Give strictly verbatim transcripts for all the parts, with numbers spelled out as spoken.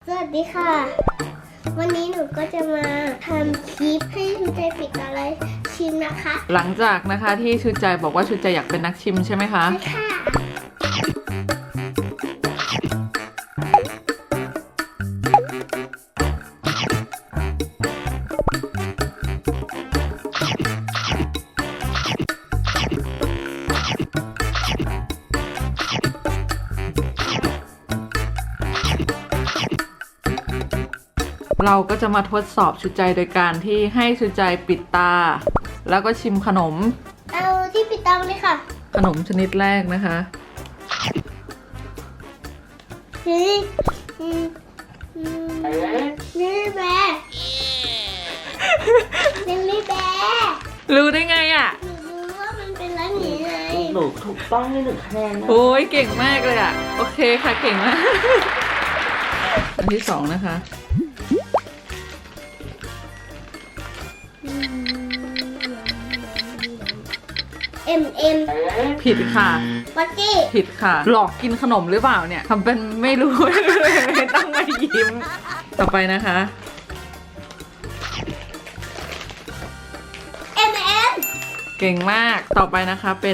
วัสดีค่ะวันนี้หนูก็จะมาทำคลิปให้ชูใจปิดอะไรชิมนะคะหลังจากนะคะที่ชูใจบอกว่าชูใจอยากเป็นนักชิมใช่ไหมคะใช่ค่ะเราก็จะมาทดสอบชูใจโดยการที่ให้ชูใจปิดตาแล้วก็ชิมขนมเอาที่ปิดตาเลยค่ะขนมชนิดแรกนะคะนี่นี่แบร์นี่แบร์รู้ได้ไงอ่ะหนูรู้ว่ามันเป็นร้านนี้ไงหนูถูกต้องให้หนึ่งคะแนนนะโอ้ยเก่งมากเลยอ่ะโอเคค่ะเก่งมากอันที่สองนะคะเอ็มเอ็มผิดค่ะปักกี้ผิดค่ะหลอกกินขนมหรือเปล่าเนี่ยทำเป็นไม่รู้ ไม่ต้องมายิ้มต่อไปนะคะเอ็มเอ็มเก่งมากต่อไปนะคะเป็น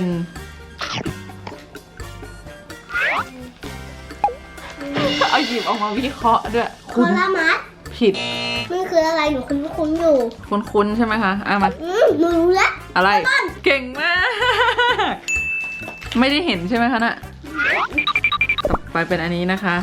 เอาหยิบออกมาวิเคราะห์ด้วยโคลามัสผิดมันคืออะไรหนูคุ้นๆอยู่คุ้นๆใช่ไหมคะอ่ะมาอืมหนูรู้แล้วอะไรเก่งมากไม่ได้เห็นใช่ไหมคะน่ะต่อไปเป็นอันนี้นะคะ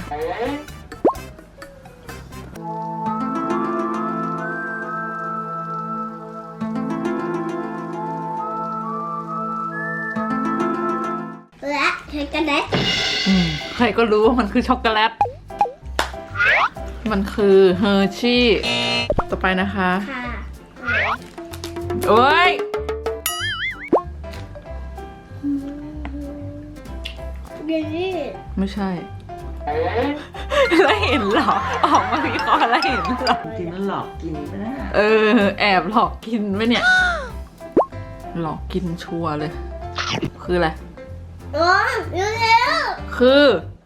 และช็อกโกแลตอืมใครก็รู้ว่ามันคือช็อกโกแลตมันคือเฮอร์ชี่ต่อไปนะคะค่ะโอ้ยเยลลี่ไม่ใช่แล้วเห็นหรอออกมาวิเคราะห์แล้วเห็นหรอจริงๆแล้วหลอกกินไปนะเออแอบหลอกกินไหมเนี่ยหลอกกินชัวร์เลยคืออะไรอ๋อเร็วๆคือ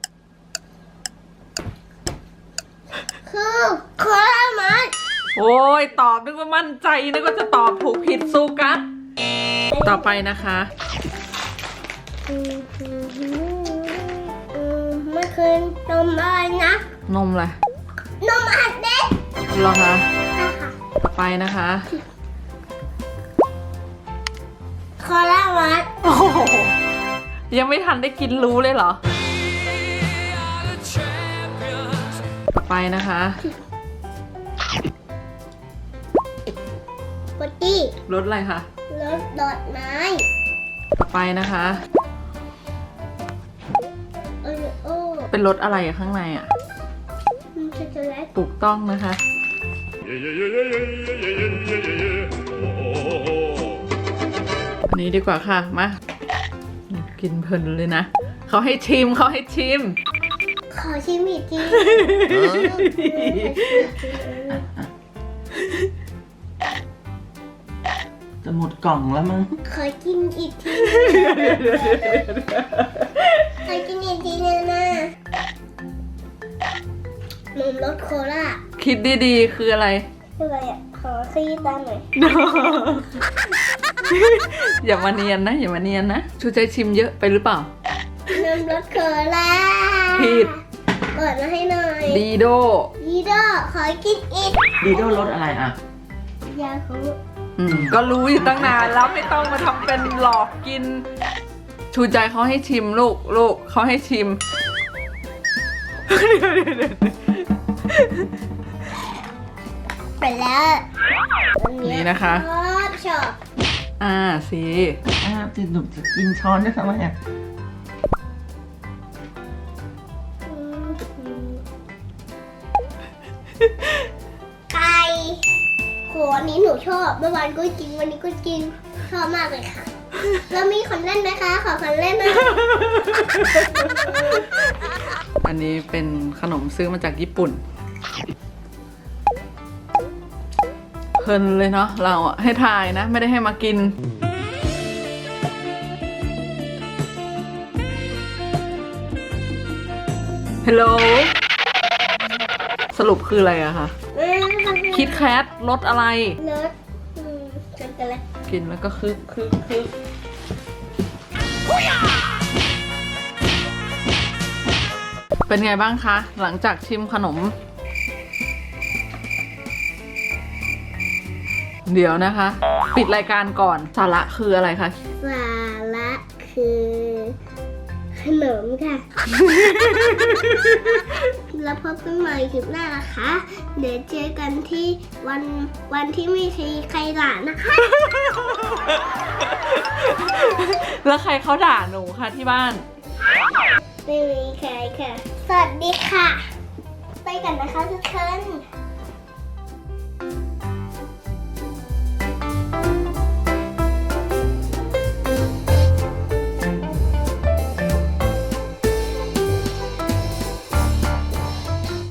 คือโคลามัสโอ้ยตอบนึกว่ามั่นใจนึกว่าจะตอบถูกผิดซูกัสต่อไปนะคะมันคือนมอะไรนะนมอะไรนมอัดเด็กเหรอคะใช่ค่ะต่อไปนะคะโคลามัสโอ้โหยังไม่ทันได้กินรู้เลยเหรอต่อไปนะคะปักกี้รสอะไรคะรสดอกไม้ต่อไปนะคะโอริโอเป็นรสอะไรข้างในอ่ะช็อกโกแลตถูกต้องนะคะอันนี้ดีกว่าค่ะมากินเพลินเลยนะเขาให้ชิมเขาให้ชิมขอชิมอีกทีจะหมดกล่องแล้วมั้งขอกินอีกทีขอกินอีกทีนะนะนมรสโคลาคิดดีๆคืออะไรคืออะไรอ่ะขอขยี้ตาหน่อยอย่ามาเนียนนะอย่ามาเนียนนะชูใจชิมเยอะไปหรือเปล่านมรสโคลาผิดเปิดมาให้หน่อยดีโดดีโดขอกินอีกดีโดรสอะไรอ่ะยาคูก็รู้อยู่ตั้งนานแล้วไม่ต้องมาทำเป็นหลอกกินชูใจเขาให้ชิมลูกลูกเขาให้ชิมไปแล้วนี่นะคะชอบชอบอ่าสิอ่าติดหนุ่มจะกินช้อนด้วยทำไมอ่ะไก่โหอันนี้หนูชอบเมื่อวานก็กินวันนี้ก็กินชอบมากเลยค่ะแล้วมีคนเล่นไหมคะขอคนเล่นนะอันนี้เป็นขนมซื้อมาจากญี่ปุ่นเพลินเลยเนาะเราอะให้ทายนะไม่ได้ให้มากินฮัลโหลสรุปคืออะไรอะคะเออคิดแคทรสอะไรรสอืมช็อกโกแลตกินแล้วก็คึกคึกคึกเป็นไงบ้างคะ หลังจากชิมขนม เดี๋ยวนะคะ ปิดรายการก่อนสาระคืออะไรคะสาระคือขนมค่ะ แล้วพบกันใหม่คลิปหน้านะคะ เดี๋ยวเจอกันที่วันวันที่ไม่มีใครด่านะคะแล้วใครเขาด่าหนูคะที่บ้านไม่มีใครค่ะ สวัสดีค่ะ ไปกันนะคะทุกคน